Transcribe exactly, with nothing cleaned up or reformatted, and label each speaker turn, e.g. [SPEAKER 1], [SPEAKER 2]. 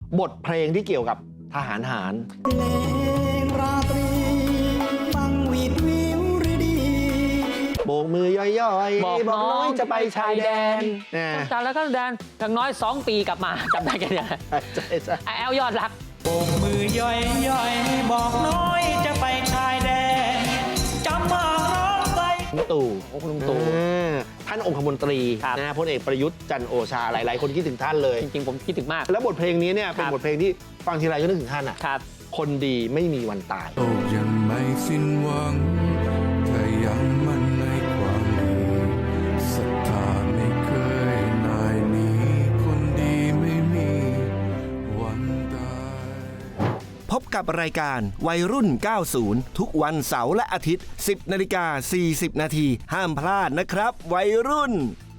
[SPEAKER 1] บทเพลงที่เกี่ยวกับทหารหาร
[SPEAKER 2] เพลงราตรีฟังวีดวิวฤดี
[SPEAKER 1] โบกมือย่อยๆ
[SPEAKER 3] บอกน้อง
[SPEAKER 1] จะไปชายแดนนะ
[SPEAKER 3] จำแล้วก็แดนอย่างน้อยสองปีกลับมาจำได้แค่นี้
[SPEAKER 1] ใช่ใช่
[SPEAKER 3] แอลยอดรัก
[SPEAKER 2] โบกมือย่อยย่อยบอกน้อยจะไปชายแดนจำมาร้องไป
[SPEAKER 1] ลุงตู่
[SPEAKER 3] โอ้คุณลุงตู่
[SPEAKER 1] อ่าท่านองคมนตรี
[SPEAKER 3] ครับ
[SPEAKER 1] นะพลเอกประยุทธ์จันทร์โอชาหลายๆคนคิดถึงท่านเลย
[SPEAKER 3] จริงๆ ผมคิดถึงมาก
[SPEAKER 1] แล้วบทเพลงนี้เนี่ยเป็น
[SPEAKER 3] ครับ
[SPEAKER 1] บทเพลงที่ฟังทีไรก็นึกถึงท่านอ่ะ
[SPEAKER 3] ครับ
[SPEAKER 1] คนดีไม่มีวันตาย
[SPEAKER 4] โลกยังไม่สิ้นหวังถ้ายังมั่นในความดีศรัทธาไม่เคยนายหนีคนดีไม่มีวันตาย
[SPEAKER 5] พบกับรายการวัยรุ่น เก้าสิบ ทุกวันเสาร์และอาทิตย์ สิบนาฬิกาสี่สิบนาทีห้ามพลาดนะครับ วัยรุ่น